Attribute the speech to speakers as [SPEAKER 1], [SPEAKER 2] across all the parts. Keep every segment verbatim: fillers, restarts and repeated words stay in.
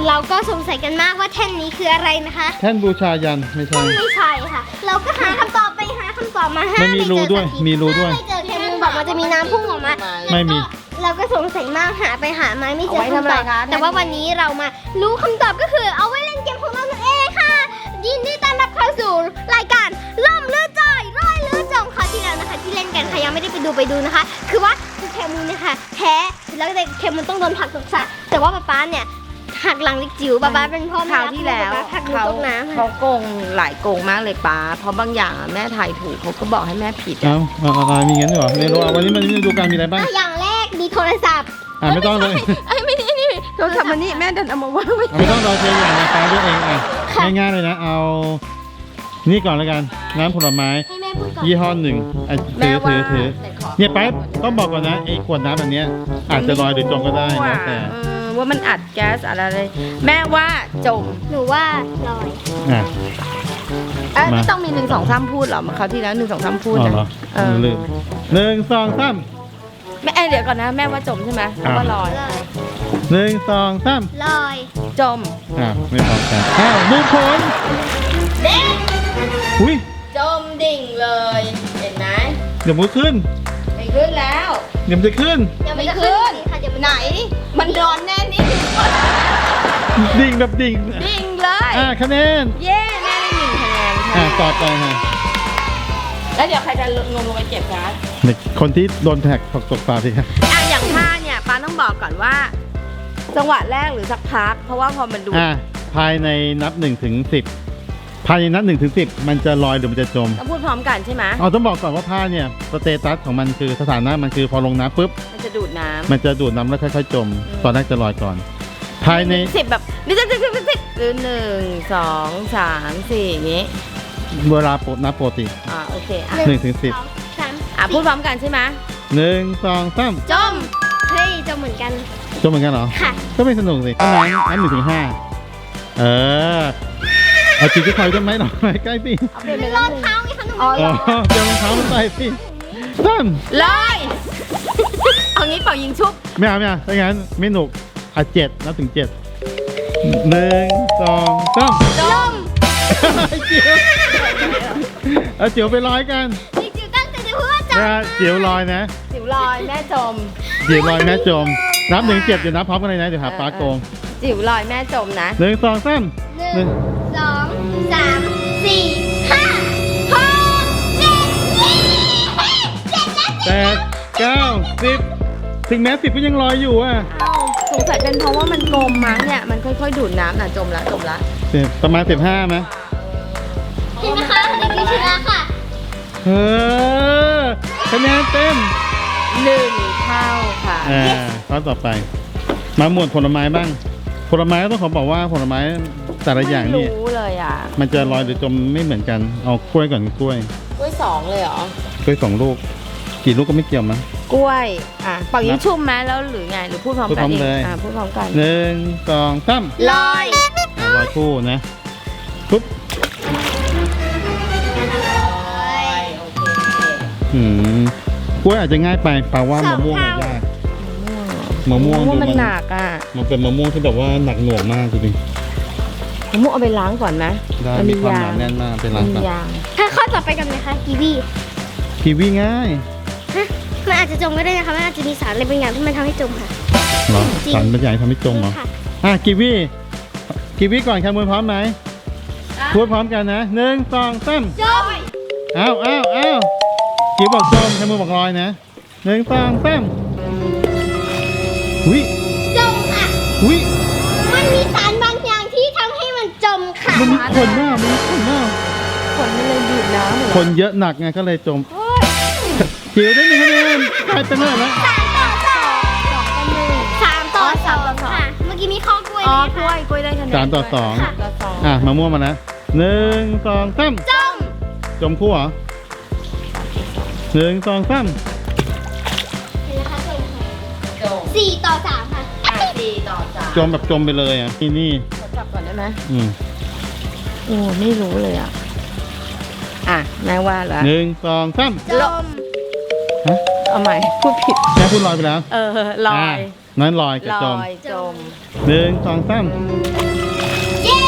[SPEAKER 1] เราก็สงสัยกันมากว่าแท่นนี้คืออะไรนะคะ
[SPEAKER 2] แท่นบูชายันไม่ใช่
[SPEAKER 1] ไม่ใช่ค่ะ เราก็หาคำตอบไปหาคำตอบมาห้า
[SPEAKER 2] ไม่มีรูด้วยมีรูด้วย
[SPEAKER 1] ไม่เจอแค่มือบอกมันจะมีน้ำพุ่งออกมา
[SPEAKER 2] ไม่มี
[SPEAKER 1] เราก็สงสัยมากหาไปหามาไม่เจอ
[SPEAKER 3] เอาไว้ทำ
[SPEAKER 1] คำ
[SPEAKER 3] อะไร
[SPEAKER 1] ตอบ
[SPEAKER 3] คะ
[SPEAKER 1] แต่ว่าวันนี้เรามารู้คำตอบก็คือเอาไว้เล่นเกมของเรานั่นเองค่ะ ยินดีต้อนรับเข้าสู่รายการล่มลือจอยร้อยลือจงคราวที่แล้วนะคะ ที่เล่นกันใครยังไม่ได้ไปดูไปดูนะคะ คือว่าคือแคมูนเนี่ยค่ะแพ้แล้วแต่แคมูนต้องโดนผลักตกสระแต่ว่าป๊าป๊าเนี่ยหักหลังเล็กจิ๋วป๊าป๊าเป็นพ่อ
[SPEAKER 3] ค
[SPEAKER 1] แม่
[SPEAKER 3] ราวที่แล้ว
[SPEAKER 1] ป๊าป๊าหักหนู
[SPEAKER 3] เขา
[SPEAKER 1] ตกน้ำ
[SPEAKER 3] เขา
[SPEAKER 1] ค่ะ
[SPEAKER 3] โกงหลายโกงมากเลยป้าเพราะบางอย่างอะแม่ทายถูกเขาก็บอกให้แม่ผิด
[SPEAKER 2] เอ้าเอาเอาเอามีงั้นด้วยเหรอไม่รู้อ่ะวันนี้มันดูการมีอะไรบ้าง
[SPEAKER 1] อ่ะอย่างแรกมีโทรศัพท์
[SPEAKER 2] อ่าไม่ต้องเลย
[SPEAKER 3] ไอ้ไม่นี่นี่โทรศัพท์มันนี่แม่ดันเอามาว่างไว้
[SPEAKER 2] อ่ะไม่ต้องรอเชียร์อย่างนะฟ้าด้วยเองอ่ะง่ายๆเลยนะเอานี่ก่อนแล้วกันน้ำผลไม้
[SPEAKER 1] ให้แม่พูดก่อน
[SPEAKER 2] ยี่ห้อหนึ่งอ่ะ
[SPEAKER 3] แม่
[SPEAKER 2] ถือ
[SPEAKER 3] ว่า
[SPEAKER 2] ถือถือ
[SPEAKER 3] แต่ขอ
[SPEAKER 2] เนี่ยไปต้องบอกก่อนนะไอ้ขวดน้ำแบบเนี้ยอาจจะลอยหรือจมก็ได้แล้วแต่
[SPEAKER 3] เออว่ามันอัดแก๊สอะไรเลยแม่ว่าจม
[SPEAKER 1] หนูว่าลอย
[SPEAKER 2] อ่ะ
[SPEAKER 3] เอ้ย
[SPEAKER 2] มา
[SPEAKER 3] ไม่ต้องมีหนึ่งสองสามพูดหรอมาคราวที่แล้วหนึ่งสองสามพูด
[SPEAKER 2] อ๋อ
[SPEAKER 3] นะ
[SPEAKER 2] เหรอ
[SPEAKER 3] เออ
[SPEAKER 2] ลืมหนึ่งสองสาม
[SPEAKER 3] แม่เอ้ยเดี๋ยวก่อนนะแม่ว่าจมใช่ไหมเพราะว่าลอย
[SPEAKER 1] ลอย
[SPEAKER 2] หนึ่งสองสาม
[SPEAKER 1] ลอย
[SPEAKER 3] จม
[SPEAKER 2] อ่ะไม่พร้อมกันอ้าวดูผล
[SPEAKER 3] เด้ง
[SPEAKER 2] อุ้ย
[SPEAKER 3] จมดิ่งเลยเห็นไหม
[SPEAKER 2] เดี๋ยวมันขึ้น
[SPEAKER 3] ไม่ขึ้นแล้ว
[SPEAKER 2] เดี๋ยวมันจะขึ้น
[SPEAKER 1] ยัง
[SPEAKER 3] ไม่
[SPEAKER 1] ไม่
[SPEAKER 3] ขึ้
[SPEAKER 1] ขึ้
[SPEAKER 3] น
[SPEAKER 1] นค่ะเดี๋ยวมัน
[SPEAKER 3] ไหน มันร้อนแน่นี่
[SPEAKER 2] ดิ่งแบบดิ่ง
[SPEAKER 3] ดิ่งเลย
[SPEAKER 2] อ่ะคะแนน
[SPEAKER 3] เย้แม่ได้หนึ่งคะแนน
[SPEAKER 2] อ่ะ
[SPEAKER 3] ค่ะ
[SPEAKER 2] ต่อไปฮะ
[SPEAKER 3] แล้วเดี๋ยวใครจะงมลงไปเก็บคะ
[SPEAKER 2] เด็กคนที่โดนแท็กตกตกปลาสิครับ
[SPEAKER 3] อ่ะอย่างท่าเนี่ยป้าต้องบอกก่อนว่า จังหวะแรกหรือสักพัก เพราะว่าพอมันดู
[SPEAKER 2] อ่ะภายในนับหนึ่งถึงสิบภายในนับหนึ่งถึงสิบมันจะลอยหรือมันจะจม
[SPEAKER 3] ต้องพูดพร้อมกันใช่ไหม
[SPEAKER 2] อ๋อต้องบอกก่อนว่าผ้าเนี่ยสเตตัสของมันคือสถานะมันคือพอลงน้ำปุ๊บ
[SPEAKER 3] มันจะดูดน้ำ
[SPEAKER 2] มันจะดูดน้ำแล้วค่อยๆจม ตอนแรกจะลอยก่อน ภายใน
[SPEAKER 3] สิบแบบนี่สิบสิบสิบสิบสิบหรือหนึ่งสองสามสี่อย่างงี้
[SPEAKER 2] เวลาปกนับปกติ
[SPEAKER 3] อ่าโอเคอ่ะ
[SPEAKER 2] หนึ่งถึงสิบ
[SPEAKER 1] สองสาม
[SPEAKER 3] อ่ะพูดพร้อมกันใช่ไหม
[SPEAKER 2] หนึ่งสองสาม
[SPEAKER 3] จม
[SPEAKER 1] เฮ้ยจะเหมือนกัน
[SPEAKER 2] จมเหมือนกันเหรอ
[SPEAKER 1] ค่ะ
[SPEAKER 2] ก็ไม่สนุกสิน้ำน้ำหนึ่งถึงห้าเออเอาจีจะถอยต้นไม้หน่อยใกล้สิ
[SPEAKER 3] เอาเปลี่ยน
[SPEAKER 1] มั
[SPEAKER 3] เป็น น
[SPEAKER 1] ร
[SPEAKER 3] ร
[SPEAKER 1] อ
[SPEAKER 3] อ
[SPEAKER 1] ด
[SPEAKER 3] ด
[SPEAKER 1] เท้าไงคะหนู
[SPEAKER 3] อ๋อ
[SPEAKER 2] อ๋อเดี๋ยวรองเท้ามันใส่สิตั้ม
[SPEAKER 3] ลอยเอางี้เป่ายิงชุบ
[SPEAKER 2] ไม่เอาไม่เอาถ้างั้นไม่หนุกอ่ะเจ็ดนับถึงเจ็ดหนึ่งสองสาม
[SPEAKER 3] จม
[SPEAKER 2] เจียวเอาเจียวไปลอยกัน
[SPEAKER 1] จริงๆตั้งใจจะพูดว่าจะ
[SPEAKER 2] นะเจียวลอยนะ
[SPEAKER 3] จิ๋วลอยแม่จม
[SPEAKER 2] เจียวลอยแม่จม นับหนึ่งเจ็ดเดี๋ยวนับพร้อมกันเลยนะเดี๋ยวหาปลาโกง
[SPEAKER 3] จิ๋วลอยแม่จมนะ
[SPEAKER 2] หนึ่งสองสาม
[SPEAKER 1] หนึ่งสองสามสี่ห้าหกเจ็ดเจ็ดแล้ว
[SPEAKER 2] แปดเก้าสิบถึงแม้สิบก็ยังลอยอยู่อ่ะ
[SPEAKER 3] เอ้าสงสัยเป็นเพราะว่ามันกลมมั้งเนี่ยมันค่อยๆดูดน้ำน่ะจมละจมละ
[SPEAKER 2] ประมาณสิบห้าไหม
[SPEAKER 1] เห็นไหมคะเด็กๆชนะค่ะ
[SPEAKER 2] เออคะแนนเต็ม
[SPEAKER 3] หนึ่งเท่าค่ะ
[SPEAKER 2] อ่าข้อต่อไป มาหมวดผลไม้บ้าง ผลไม้ก็ต้องขอบอกว่าผลไม้แต่ละอย่างนี่
[SPEAKER 3] ไม่รู้เลยอ่ะ
[SPEAKER 2] มันจะลอยหรือจมไม่เหมือนกัน เอากล้วยก่อนกล้วย
[SPEAKER 3] กล้วยสองเลยเหรอก
[SPEAKER 2] ล้วยสองลูก กี่ลูกก็ไม่เกี่ยวมั้ง
[SPEAKER 3] กล้วยอ่ะเป่ายิงชุ่มไหมแล้วหรือไงหรือพูดพร้อม
[SPEAKER 2] พูด
[SPEAKER 3] กั
[SPEAKER 2] พร้
[SPEAKER 3] น
[SPEAKER 2] อม
[SPEAKER 3] เอง
[SPEAKER 2] เลย
[SPEAKER 3] อ่ะพูดพร้อมกัน
[SPEAKER 2] หนึ่งสองสาม
[SPEAKER 3] ลอย
[SPEAKER 2] อ่ะลอยคู่นะปุ๊บ อืมกล้วยอาจจะง่ายไปแปลว่ามะม่วงอะยากมะม่วง
[SPEAKER 3] มะม่วงมัน
[SPEAKER 2] ดู
[SPEAKER 3] หนักอ่ะ
[SPEAKER 2] มันเป็นมะม่วงที่แบบว่าหนักหน่วงมากจริง
[SPEAKER 3] มะม่วงเอาไปล้างก่อนไหม
[SPEAKER 2] ๆได้มีความหนาแน่นมากเป็นร้าน
[SPEAKER 3] มี
[SPEAKER 2] ปะ
[SPEAKER 3] ยาง
[SPEAKER 1] ถ้าข้อต่อไปกันไหมคะกีวี
[SPEAKER 2] กีวีง่าย
[SPEAKER 1] ฮะมันอาจจะจมก็ได้นะคะมันอาจจะมีสารอะไรบางอย่างที่มันทำให้จมค่ะ
[SPEAKER 2] เหรอ
[SPEAKER 1] จริง
[SPEAKER 2] สารบางอย่างทำให้จมเหรอ
[SPEAKER 1] ค่ะ
[SPEAKER 2] อ่ะกีวีกีวีก่อนครับมือพร้อมไหมพูดพร้อมกันนะหนึ่งสองสาม
[SPEAKER 1] จม
[SPEAKER 2] อ้าวอ้าวอ้าวกีบอกจมแค่มือบอกลอยนะหนึ่งสองสามวิ
[SPEAKER 1] จมค่ะ
[SPEAKER 2] วิ
[SPEAKER 1] มันมีสารบางอย่างที่ทำให้มันจมค่ะ
[SPEAKER 2] มันมีขนหน้ามันมีขนหน้า
[SPEAKER 3] คนมันเลยดูดน้ำเหรอ
[SPEAKER 2] คนเยอะหนักไงก็เลยจมจิ๋วได้หนึ่งคะแนนกลายเป็นเท่าไหร่แล้ว
[SPEAKER 1] สามต่อสองค่ะ เมื่อกี้มีข้อกล้วย
[SPEAKER 3] อ๋อ
[SPEAKER 1] ไหม
[SPEAKER 3] กล้วย
[SPEAKER 1] คะ
[SPEAKER 3] กล้วยได้คะแนน
[SPEAKER 2] สามต่อสอง
[SPEAKER 3] สามต่อสอง
[SPEAKER 2] อ่ะมาม่วงมานะหนึ่งสองสาม
[SPEAKER 1] จม
[SPEAKER 2] จมคู่เหรอหนึ่งสองสาม
[SPEAKER 1] เห็นไหมคะจมค่ะ
[SPEAKER 3] จม
[SPEAKER 1] สี่ต่อสามค่ะ
[SPEAKER 3] อ่ะสี่ต่อสาม
[SPEAKER 2] จมแบบจมไปเลยอ่ะนี่นี่
[SPEAKER 3] ขอจับก่อนได้ไหม
[SPEAKER 2] อืม
[SPEAKER 3] โอ้ไม่รู้เลยอ่ะ อ่ะแม่ว่าแล้ว
[SPEAKER 2] หนึ่งสองสาม
[SPEAKER 1] จม
[SPEAKER 2] ฮะ
[SPEAKER 3] เอาใหม่พูดผิด
[SPEAKER 2] แม่พูดลอยไปแล้ว
[SPEAKER 3] เออลอ
[SPEAKER 2] อ่ะ
[SPEAKER 3] ย
[SPEAKER 2] นั้นลอยกับ
[SPEAKER 3] ล
[SPEAKER 2] จม
[SPEAKER 3] อยจม
[SPEAKER 2] หนึ่งสองสาม
[SPEAKER 1] เย้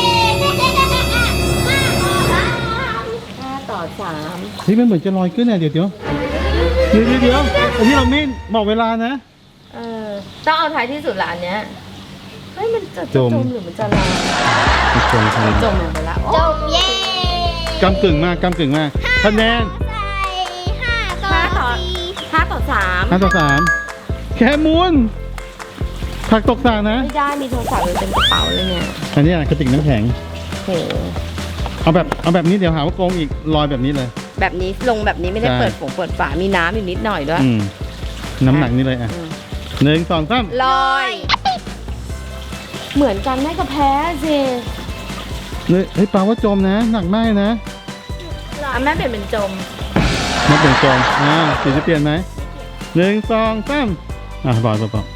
[SPEAKER 3] ห้าต่อสาม
[SPEAKER 2] เฮ้ยมันเหมือนจะลอยขึ้นเนี่ยเดี๋ยวเดี๋ยวเดี๋ยวเดี๋ยวเดี๋ยวอันนี้เราไม่บอกเวลานะ
[SPEAKER 3] เออต้องเอาท้ายที่สุดละอันเนี้ยเฮ้ยมันจะ
[SPEAKER 2] จ
[SPEAKER 3] จ
[SPEAKER 2] ม
[SPEAKER 3] มหรือมันจะลอย
[SPEAKER 2] จมครับ
[SPEAKER 3] จมลงไปแล้ว
[SPEAKER 1] จมเย้
[SPEAKER 2] กำกึ่งมากกำกึ่งมากคะแนน
[SPEAKER 1] ใส่ห้าต่อ
[SPEAKER 3] ห้าต่อ
[SPEAKER 1] สี่
[SPEAKER 3] ห้าต่อสาม
[SPEAKER 2] ห้าต่อสามแคมูลผักตกสระนะ
[SPEAKER 3] ไม่ได้มีโทรศัพท์อยู่เต็มกระเป๋าเลยเนี่ย
[SPEAKER 2] อันนี้อ่ะกระติกน้ำแข็ง
[SPEAKER 3] โห
[SPEAKER 2] เอาแบบเอาแบบนี้เดี๋ยวหาว่าโกงอีกลอยแบบนี้เลย
[SPEAKER 3] แบบนี้ลงแบบนี้ไม่ได้
[SPEAKER 2] ใช่
[SPEAKER 3] เปิดฝงเปิดฝา มีน้ำอยู่นิดหน่อยด้วย
[SPEAKER 2] อืมน้ำหนักนี่เลยอ่ะ
[SPEAKER 3] อืม
[SPEAKER 2] หนึ่งสองสาม
[SPEAKER 3] ลอย เหมือนกันแม่ก็แพ้สิ
[SPEAKER 2] เฮ้ยเฮ้ยปลาว่าจมนะ หนักมากนะ
[SPEAKER 3] อ่ะแม่เปลี่ยนเป็นจม
[SPEAKER 2] มาเปลี่ยนจมอ่าสีจะเปลี่ยนไหมหนึ่งสองสามอ่ะบอกบอกบอก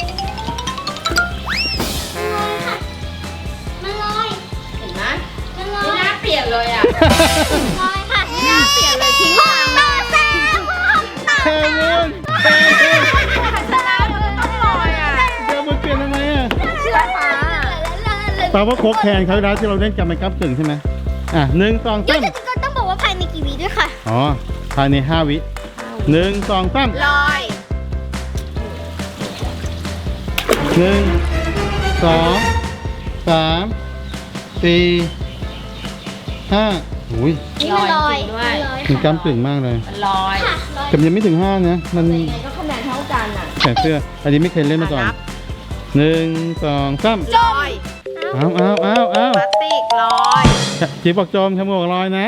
[SPEAKER 1] มันลอย
[SPEAKER 3] เห็นไหม
[SPEAKER 1] มันลอ
[SPEAKER 3] ไม่
[SPEAKER 1] ย
[SPEAKER 3] น่าเปลี่ยนเลยอ่ะ
[SPEAKER 1] ลอยค่ะ
[SPEAKER 3] ไม่น่าเปลี่ยนเลยทิ้ง
[SPEAKER 1] ห
[SPEAKER 3] ทาง
[SPEAKER 1] ต่
[SPEAKER 3] มา
[SPEAKER 1] อสามต่อ
[SPEAKER 2] แคมูลแคมูล
[SPEAKER 3] ชนะเลยต้องลอยอ่ะ
[SPEAKER 2] แคมูลเปลี่ยนทำไมอ่ะ
[SPEAKER 3] เชื่อฟ้า
[SPEAKER 2] ปลาว่าโคกแคนเขาแล้วที่เราเล่นกันเป็นกำกึ่งใช่ไหมอ่ะหนึ่งสอง
[SPEAKER 1] เดี๋ย
[SPEAKER 2] สาว ม
[SPEAKER 1] จะต้องบอกว่าภายในกี่วิด้วยค่ะ
[SPEAKER 2] อ๋อภายในห้าวิหนึ่งสองสาม
[SPEAKER 3] ลอย
[SPEAKER 2] หนึ่งสองสามสี่ห้าอุ้ย
[SPEAKER 1] นี่มันลอย
[SPEAKER 3] จริงด้วย
[SPEAKER 2] มันกำกึ่งมากเลย
[SPEAKER 3] มันลอย
[SPEAKER 1] ค่ะลอย
[SPEAKER 2] แต่มันยังไม่ถึงห้านะ มัน
[SPEAKER 3] ยังไงก็คะแนนเท่ากันอ่ะ
[SPEAKER 2] แขนเสื้อ อันนี้ไม่เคยเล่นมาก่อน
[SPEAKER 3] นับ
[SPEAKER 2] หนึ่งสองสาม
[SPEAKER 3] ลอย
[SPEAKER 2] เอาเอาเอาเอา
[SPEAKER 3] พลาสติกลอย
[SPEAKER 2] จีบอกจมขโมยลอยนะ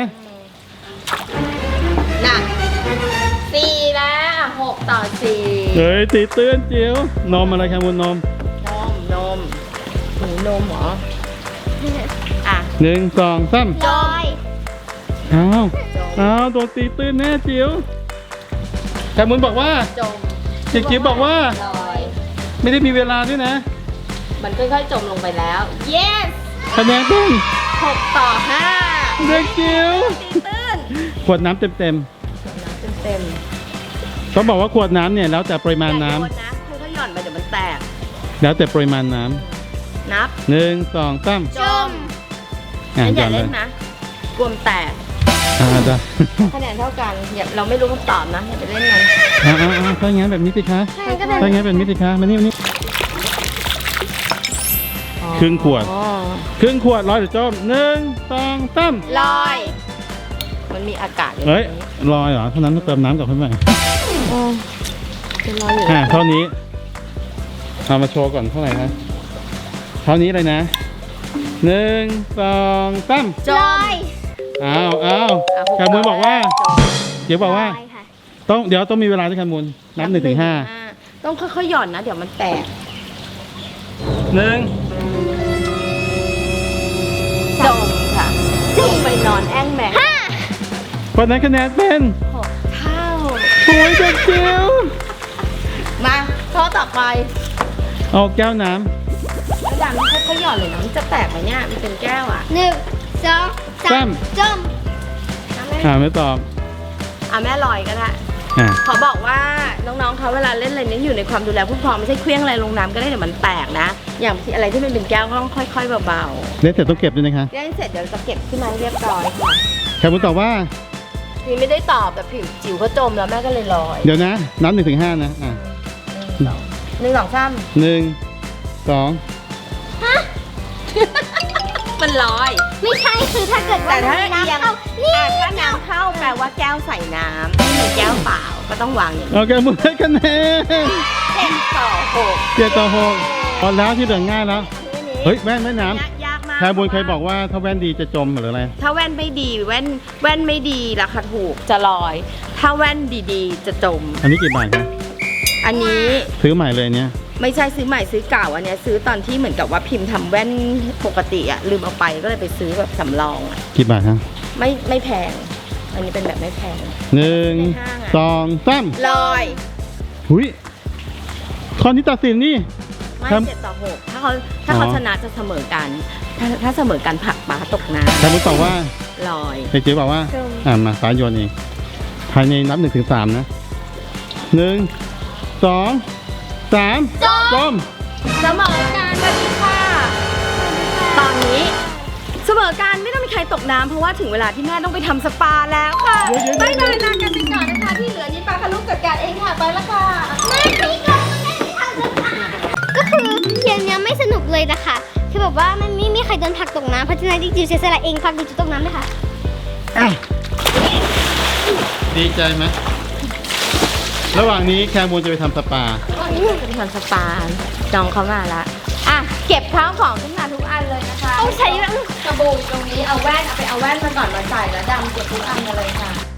[SPEAKER 3] น่ะสี่แล้วหกต่อสี่
[SPEAKER 2] เฮ้ยตีเตือนจิ๋วนมอะไรครับมูลนม
[SPEAKER 3] นมนมหนูนมเหรออ่ะ
[SPEAKER 2] หนึ่งสองสาม
[SPEAKER 1] ลอย
[SPEAKER 2] เอา
[SPEAKER 3] จม
[SPEAKER 2] เอาโดนตีตื้นแน่จิ๋วแคมูลบอกว่า
[SPEAKER 3] จม
[SPEAKER 2] จิ๋วจิ๋วบอกว่า
[SPEAKER 3] ลอย
[SPEAKER 2] ไม่ได้มีเวลาด้วยนะ
[SPEAKER 3] มันค่อยๆจมลงไปแล้ว yes
[SPEAKER 2] คะแนนเป็น
[SPEAKER 3] หกต่อห้า
[SPEAKER 2] เด็กจิ๋ว
[SPEAKER 3] ตีตื้น
[SPEAKER 2] ขวดน้ำเต็มเต็ม
[SPEAKER 3] น้ำเต็ม
[SPEAKER 2] ๆต้องบอกว่าขวดน้ำเนี่ยแล้วแต่ปริ
[SPEAKER 3] ๆ
[SPEAKER 2] มาณน้ำ
[SPEAKER 3] อย่าโยนะค่อยๆหย่อนไปเดี๋ยวมันแตก
[SPEAKER 2] แล้วแต่ปริมาณน้ำ
[SPEAKER 3] นับ
[SPEAKER 2] หนึ่งสองสาม
[SPEAKER 3] จม
[SPEAKER 2] อ่ะ
[SPEAKER 3] งั้นอ
[SPEAKER 2] หย่
[SPEAKER 3] ย่า
[SPEAKER 2] อนเล
[SPEAKER 3] เล่
[SPEAKER 2] ย
[SPEAKER 3] นนะกลัวมนแตก
[SPEAKER 2] อ่าได้
[SPEAKER 3] คะแนนเท่ากันอย่าเราไม่รู้คำตอบนะอย่าไปเล่นมัน
[SPEAKER 2] อ่าอ่าอ่าถ้าอย่างนั้นแบบนี้สิคะ
[SPEAKER 1] ใช่ก็ได้
[SPEAKER 2] ถ้าอย่างนั้นแบบนี้สิคะมานี่มานี่ ครึ่งขวด
[SPEAKER 3] อ๋อ
[SPEAKER 2] ครึ่งขวดร้อยเดี๋ยวจมหนึ่งสองสาม
[SPEAKER 3] ลอย มันมีอากาศอยู่
[SPEAKER 2] เฮ้ย
[SPEAKER 3] ตรงนี้
[SPEAKER 2] ลอยเหรอเท่านั้นต้องเติมน้ำกลับเข้าไป
[SPEAKER 3] โอ้จะลอยอยู่
[SPEAKER 2] อ่าเท่านี้เอามาโชว์ก่อนเท่าไหร่นะเท่านี้เลยนะหนึ่งสองสาม
[SPEAKER 3] จ
[SPEAKER 1] ล
[SPEAKER 3] ม
[SPEAKER 1] อย
[SPEAKER 2] อ้าวอ้าว
[SPEAKER 3] อ่ะห
[SPEAKER 2] แคมูลบอกว่า
[SPEAKER 3] จม
[SPEAKER 2] เดี๋ยวบอกว่า
[SPEAKER 1] ลอยค่ะ
[SPEAKER 2] ต้องเดี๋ยวต้องมีเวลาด้วยแคมูลนับหนึ่งถึงห้า
[SPEAKER 3] ต้องค่อยๆหย่อนนะ เดี๋ยวมันแตก
[SPEAKER 2] หนึ่ง
[SPEAKER 3] จมค่ะจมไปนอนแอ่งแมง
[SPEAKER 1] ห้า
[SPEAKER 2] คนนั้นคะแนนเป็น
[SPEAKER 3] หกเท่า
[SPEAKER 2] โอ้ยเด็กจิ๋ว
[SPEAKER 3] มาข้อต่อไป
[SPEAKER 2] เอาแก้วน้
[SPEAKER 3] แล้วดันค่อยๆหย่อนเลยนะมันจะแตกไหมเนี่ยมันเป็นแก้วอ่ะ
[SPEAKER 1] หนึ่งสองสามจม
[SPEAKER 3] อ่ะแม่
[SPEAKER 2] ำอ่าไม่ตอบ
[SPEAKER 3] อ่ะแม่ลอยก็ได้
[SPEAKER 2] อ่า
[SPEAKER 3] ขอบอกว่าน้องๆเขาเวลาเล่นอะไรนี้อยู่ในความดูแลผู้ปกครองไม่ใช่เคลี้ยงอะไรลงน้ำก็ได้เดี๋ยวมันแตกนะ อย่างที่อะไรที่มันเป็นแก้วก็ต้องค่อยๆเบา
[SPEAKER 2] เล่นเสร็จต้องเก็บด้วยนะคะ
[SPEAKER 3] ๆเล่นเสร็จเดี๋ยวจะเก็บขึ้นมาให้เรียบร้อยค่ะ
[SPEAKER 2] แคมูลตอบว่า
[SPEAKER 3] พี่ไม่ได้ตอบแต่ผิวจิ๋วเขาจมแล้วแม่ก็เลยลอย
[SPEAKER 2] เดี๋ยวนะนับหนึ่งถึงห้านะอ่า
[SPEAKER 3] หนึ่งสองสาม
[SPEAKER 2] หนึ่งสอง
[SPEAKER 3] มันลอย
[SPEAKER 1] ไม่ใช่คือถ้าเกิดว่า
[SPEAKER 3] แต่ถ้า
[SPEAKER 1] มีน้ำ
[SPEAKER 3] เอียง
[SPEAKER 1] เข้านี่
[SPEAKER 3] อ่ะถ้าน้ำเข้าแปลว่าแก้วใส่น้ำไม่มีแก้วเปล่าก็ต้องวางอย่างนี้
[SPEAKER 2] โอเคมือให้คะแนน
[SPEAKER 3] เจ็ดต่อหก
[SPEAKER 2] เจ็ดต่อหกพอแล้วที่เหลือง่ายแล้ว เฮ้ยแว่นแม่น้
[SPEAKER 3] ยากยากมาก
[SPEAKER 2] ำแคมูลเคยบอกว่าถ้าแว่นดีจะจมหรืออะไร
[SPEAKER 3] ถ้าแว่นไม่ดีแว่นแว่นไม่ดีราคาถูกจะลอย ถ้าแว่นดีๆ จะจม
[SPEAKER 2] อันนี้กี่บาทคะ
[SPEAKER 3] อันนี้
[SPEAKER 2] ซื้อใหม่เลยเนี่ย
[SPEAKER 3] ไม่ใช่ซื้อใหม่ซื้อเก่าอันเนี้ยซื้อตอนที่เหมือนกับว่าพิมพ์ทำแว่นปกติอะลืมเอาไปก็เลยไปซื้อแบบสำรองอะ
[SPEAKER 2] กี่บาทครับ
[SPEAKER 3] ไม่ไม่แพง อันนี้เป็นแบบไม่แพง
[SPEAKER 2] หนึ่ง
[SPEAKER 3] ในห้างอะ
[SPEAKER 2] สองสาม
[SPEAKER 3] ลอย
[SPEAKER 2] หุยข้อนี้ตัดสินนี่
[SPEAKER 3] ไม่
[SPEAKER 2] ครับ
[SPEAKER 3] เจ็ดต่อหกถ้าเขาถ้าเขา
[SPEAKER 2] อ๋อ
[SPEAKER 3] ชนะจะเสมอกัน ถ้าถ้าเสมอกันผลักปลาตกน้
[SPEAKER 2] แคมูลตอบว่า
[SPEAKER 3] ำลอย
[SPEAKER 2] เด็กจิ๋วบอกว่า
[SPEAKER 3] จม
[SPEAKER 2] อ่ามาสายโยนเองภายในนับหนึ่งถึงสามนะหนึ่งสองสสาม
[SPEAKER 1] จม
[SPEAKER 2] จม
[SPEAKER 3] เสมอการสวัสดีค่ะ ตอนนี้เสมอการไม่ต้องมีใครตกน้ำเพราะว่าถึงเวลาที่แม่ต้องไปทำสปาแล้วค่ะ
[SPEAKER 2] เดี๋ยวเดี๋ยว
[SPEAKER 3] บายบายลากันไปก่อนนะคะที่เหลือนี้ปลาคารุจัดการเองค่ะไปแล้วค่ะ
[SPEAKER 1] แม่พี่ก็แม่ไม่ทำสปาก็คือเกมเนี้ยไม่สนุกเลยนะคะคือแบบว่ามันไม่มีใครโดนผลักตกน้ำเพราะฉะนั้นดิจิวเสียสละเองผลักดิจิวตกน้ำเลยค่ะ
[SPEAKER 2] อ่ะดีใจไหมระหว่างนี้แคมูลจะไปทำสปา
[SPEAKER 3] จะไปทำสปาจองเขามาละอ่ะเก็บข้าวของขึ้นมาทุกอันเลยนะคะ
[SPEAKER 1] ต้องใช้แบบ
[SPEAKER 3] กระโบยตรงนี้เอาแว่นเอาไปเอาแว่นมาก่อนมาใส่แล้วดำเก็บทุกอันมาเลยค่ะ